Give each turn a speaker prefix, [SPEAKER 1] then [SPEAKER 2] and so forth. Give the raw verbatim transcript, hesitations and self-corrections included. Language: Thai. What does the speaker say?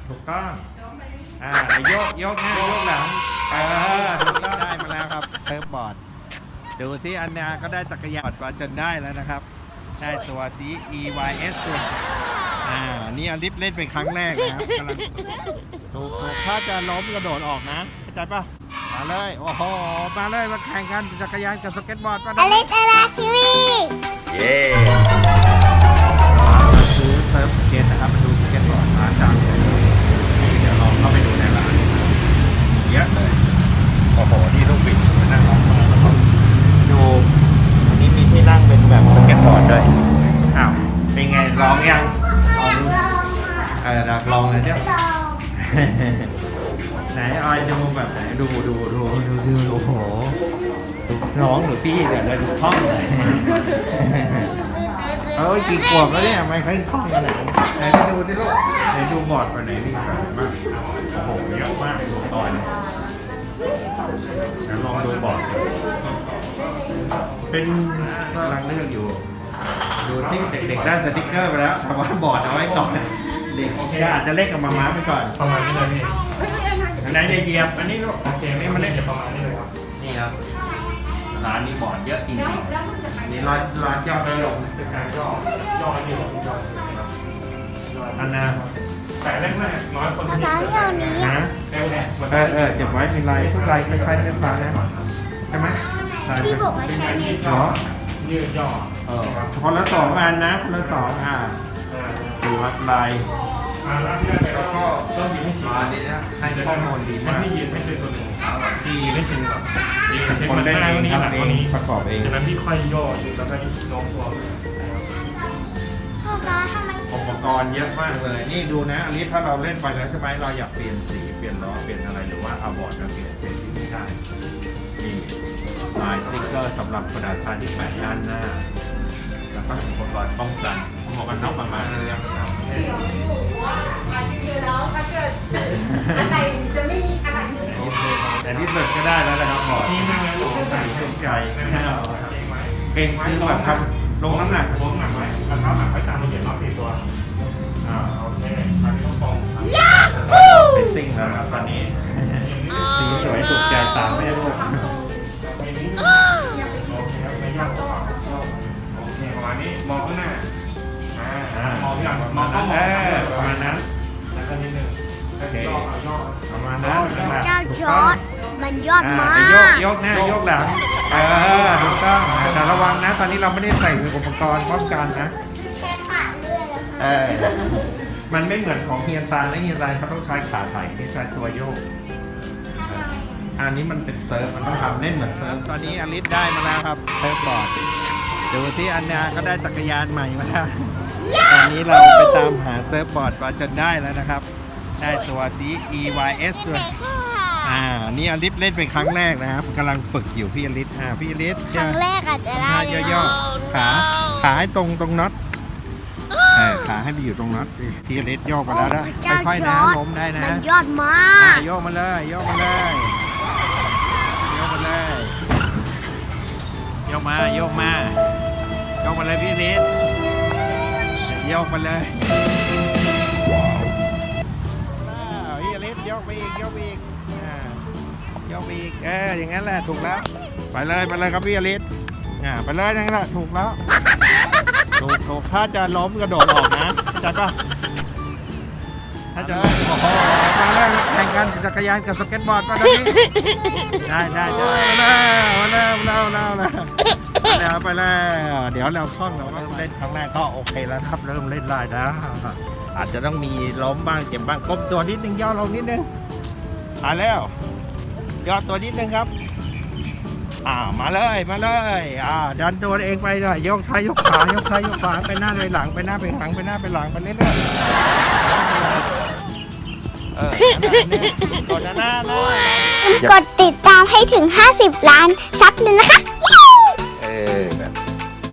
[SPEAKER 1] ถูกต้องอ่าโยกโยกหน้าโยกหลังเออถูกต้องได้มาแล้วครับเซิร์ฟบอร์ดดูซิอันนาก็ได้จักรยานมาจนได้แล้วนะครับได้ตัว ดี อี วาย เอส ตัวอ่านี่อลิฟเล่นเป็นครั้งแรกนะครับกำลังถูกถูกถ้าจะล้มกระโดดออกนะเข้าใจปะมาเลยโอ้โหมาเลยมาแข่งกันจักรยานกับสเก็ตบอร์ดมา
[SPEAKER 2] อลิสอาราทีวี
[SPEAKER 1] เย้มาซื้อเซิร์ฟสเก็ตนะครับมาดูสเก็ตบอร์ดร้านดังนี่เดี๋ยวลองเข้าไปดูในร้านเยอะเลยโอ้โหนี่ลูกบิดมานั่งร้องมาแล้วก็ดูวันนี้มีที่นั่งเป็นแบบสเก็ตบอร์ดด้วยอ้าวเป็นไงลองยังลองดูเอออยากลองเลยเจ้าไหนออยจะดูแบบไหนดูดูดูดูดูโอ้โหน้องหรือพี่เดี๋ยวเราดูคล่องเลยเออกี่ขวบแล้วเนี่ยไม่ค่อยคล่องขนาดนี้ไหนไปดูดิลูกไหนดูบอร์ดไปไหนมีแบบไหนบ้างโอ้โหเยอะมากอุปกรณ์เดี๋ยวลองดูบอร์ดเป็นกำลังเลือกอยู่ดูที่เด็กๆได้สติ๊กเกอร์ไปแล้วแต่ว่าบอร์ดเอาไว้ก่อนเด็กก็อาจจะเล่นกับมาม้าไปก่อน
[SPEAKER 3] ประมาณนี้เลยพี่
[SPEAKER 1] อันไหนจะเหยียบอันนี้ลูก
[SPEAKER 3] โอเคไม่มาเล่นประมาณนี้เลยครับ
[SPEAKER 1] นี่ครับร้านนี้บอร์ดเยอะจริงๆนี่ร้านร้านยอดนิยม
[SPEAKER 3] เป็นการย่อย่อให้ดีย่อ
[SPEAKER 1] อันนา
[SPEAKER 3] แต่แรกแรกน้อยคนที่
[SPEAKER 2] ร้านที่เอานี้
[SPEAKER 1] นะ
[SPEAKER 3] แรกแรก
[SPEAKER 1] เออเออเก็บไว้มีลายทุกลายคล้ายๆเนื้อปลานะใช่ไหมลาย
[SPEAKER 2] พี่บอกว่าใช่
[SPEAKER 3] ยื
[SPEAKER 2] เนี่ย
[SPEAKER 3] ดย่อยืดย่อ
[SPEAKER 1] เออคนละสองอันนะคนละสองอ่าดูครับลาย
[SPEAKER 3] อ่าแล้วที่แรกแล้วก็ต้องยืนให้ชิน
[SPEAKER 1] มาดีนะให้ข้อมูลดีมาก
[SPEAKER 3] พี่ยืนให้เป็นตัวหนึ่งพี่ยืนให้ชินก่อนยืนเช็ค
[SPEAKER 1] คน
[SPEAKER 3] มัน
[SPEAKER 1] เล่น
[SPEAKER 3] หน้า
[SPEAKER 1] เอง
[SPEAKER 3] นี้หลัง
[SPEAKER 1] ทำเอ
[SPEAKER 3] ตัว
[SPEAKER 1] ง
[SPEAKER 3] นี้
[SPEAKER 1] ประกอบเอง
[SPEAKER 3] จากนั้นพี่ค่อยย่ออยู่แล้วก็โน้มตัว
[SPEAKER 2] พ่อมาทำไม
[SPEAKER 1] อุปกรณ์เยอะมากเลยนี่ดูนะอันนี้ถ้าเราเล่นไปแล้วใช่ไหมเราอยากเปลี่ยนสีเปลี่ยนล้อเปลี่ยนอะไรหรือว่าเอาบอร์ดมาเปลี่ยนเป็นที่ไม่ได้นี่ลายสติ๊กเกอร์สำหรับกระดาษทรายที่แปะด้านหน้าแล้วก็อุปกรณ์ป้องกันหมวกกันน็อกประมาณนั้นเลยครับ
[SPEAKER 4] อะไรจะไม่มีอะไรเลย
[SPEAKER 1] แต่ที่สุดก็ได้แล้วนะครับบอร์ด
[SPEAKER 3] นี่นั่งแล้วลงใส่
[SPEAKER 1] ถูกใจ
[SPEAKER 3] ไม่เอาเก่งไหม
[SPEAKER 1] เก่งคือแบบทำลงน้ำหนัก
[SPEAKER 3] ลงหนักไว้แล้วเท้าหนักไว้ตามระเบียบน็อตสี่ตัวอ่าโอเคคราวนี้ต้องตรง
[SPEAKER 1] เป็นซิ่งแล้วนะครับตอนนี้สีสวยถูกใจตามไม่ได้ลูก
[SPEAKER 3] โอเคครับไม่ยากกว่าโอเคประมาณนี้มองข้างหน้าอ่ามองที่หลังมองต้องม
[SPEAKER 1] เอ
[SPEAKER 3] อง
[SPEAKER 1] อประมาณนั้น
[SPEAKER 3] แล้วก็นิดนึงย่อย่อ
[SPEAKER 1] ประมาณนั้น
[SPEAKER 2] เจ้าจอร์ดมันยอดมา
[SPEAKER 1] โยก
[SPEAKER 2] ก
[SPEAKER 1] โยกหน้าโยกหลังเออถูกต้องแต่ระวังนะตอนนี้เราไม่ได้ใส่อุปกรณ์ป้องกันนะ
[SPEAKER 2] แค่ขาดเลือดแล้ว
[SPEAKER 1] เออมันไม่เหมือนของเฮียนซานและเฮียนซานเขาต้องใช้ขาไถ่ที่ใช้ตัวโยกอันนี้มันเป็นเซิร์ฟมันต้องทำเล่นเหมือนเซิร์ฟตอนนี้อลิสได้มาแล้วครับเซิร์ฟบอร์ดดูซิอันนาก็ได้จักรยานใหม่มาแล้วตอนนี้เราไปตามหาเซิร์ฟบอร์ดมาจนได้แล้วนะครับได้ตัว ดี อี วาย เอส ด้วย อ่า นี่อลิสเล่นเป็นครั้งแรกนะครับกำลังฝึกอยู่พี่อลิสอ่าพี่อลิส
[SPEAKER 2] ครั้งแรกอาจจะได้
[SPEAKER 1] ท่าย่อๆขาขาให้ตรงตรงน็อตเออขาให้ไปอยู่ตรงน็อตพี่อลิสโยกมาแล้วนะค่อยๆนะล้มได้นะ
[SPEAKER 2] มันยอดมา
[SPEAKER 1] อ่าก โยกมาเลยโยกมาเลยโยกมาเลยโยกมาโยกมาโยกมาเลยพี่อลิสโยกมาเลยพี่อลิสโยกไปอีกโยกไปอีกอ่ายกไปอีกเอออย่างนั้นแหละถูกแล้วไปเลยไปเลยครับพี่อลิสอ่าไปเลยนั่นแหละถูกแล้วถูกถูกถ้าจะล้มกระโดดออกนะเข้าใจปะถ้าจะโอ้โหมาแล้วแข่งกันจักรยานกับสเก็ตบอร์ดมาตอนนี้ได้ได้ได้มาแล้วมาแล้วมาแล้วมาแล้วไปแล้วเดี๋ยวเราคล่องเราก็เล่นครั้งแรกก็โอเคแล้วครับเริ่มเล่นได้แล้วอาจจะต้องมีล้มบ้างเจ็บบ้างก้มตัวนิดนึงย่อลงนิดนึงมาแล้วย่อตัวนิดนึงครับอ่ามาเลยมาเลยอ่าดันตัวเองไปเลยยกซ้ายยกขวายกซ้ายยกขวาไปหน้าไปหลังไปหน้าไปหลังไปหน้าไปหลังไปเรื่อยๆเออกดหน้าหน้าก
[SPEAKER 2] ดติดตามให้ถึงห้าสิบล้านซับเลยนะคะ